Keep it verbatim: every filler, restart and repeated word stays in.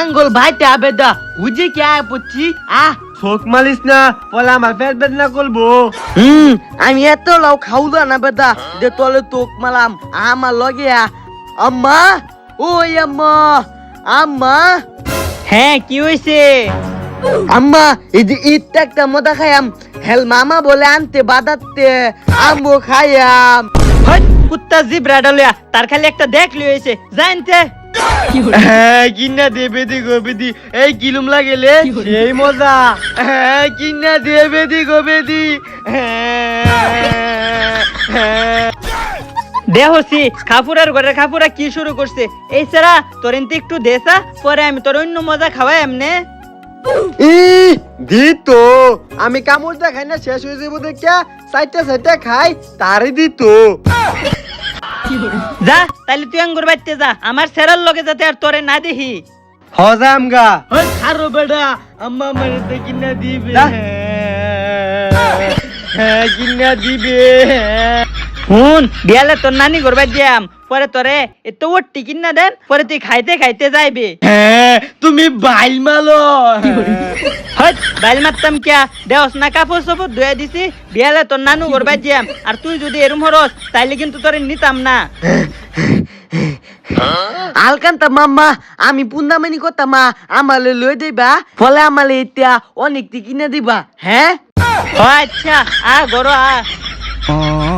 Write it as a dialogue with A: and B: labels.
A: আঙ্গুল ভাইতে আবেদা বুঝি কে পুচ্ছি আহ
B: চোখ মালিস না বলে আমার পেট বেদনা করবো।
A: হুম আমি এত লাউ খাওয়া না বেদা দে তলে তোক মালাম আমার লগে আম্মা ওই আম্মা আম্মা
C: হ্যাঁ কি হয়েছে?
A: আম্মা এই যে ঈদটা একটা মজা খাইয়াম হেল মামা বলে আনতে বাদাতে আমও খাইয়াম
C: হট কুত্তা জিব্রা ডালিয়া তার খালি একটা দেখলি হয়েছে জানতে
B: হ্যাঁ কিনা দেবে দি গোবে দি এই কিলুম লাগেলে সেই মজা। হ্যাঁ কিনা দেবে দি গোবে দি
C: দেহসি খাপুরার ঘরের খাপুরা কি শুরু করছে এই সারা তোর এনতে একটু দেসা পরে আমি তোর অন্য মজা খাওয়াই এমনে
B: ই দিত আমি কামড় দেখাই না শেষ হয়ে যাবো দেখা চারটা চারটা খাই তারই দিত।
C: যা তাইলে তুই আঙ্গুর বাইতে যা আমার সেরার লগে যাতে আর তোরে না দেখি
B: হজাম গা
A: ওই খারো বেডা আম্মা মানে তো কিনা দিবে
B: হ্যাঁ কিনা দিবে।
C: হুন বিয়ালে তোর নানি ঘর বাদ যাম পরে তোরে এত ওটি কিনা দেন পরে তুই খাইতে খাইতে যাইবে।
A: হ্যাঁ তুমি বাইল মালো
C: হট বাইল মারতাম কিয়া দেওস না কাপড় চোপড় ধুয়ে দিছি বিয়ালে তোর নানু ঘর বাদ যাম আর তুই যদি এরম হরস তাইলে কিন্তু তোরে নিতাম না।
A: আলকান্তা মাম্মা আমি পুন্দামানি কথা মা আমালে লই দিবা ফলে আমালে এটা অনেক কিনে দিবা হ্যাঁ
C: ও আচ্ছা আ গরো আ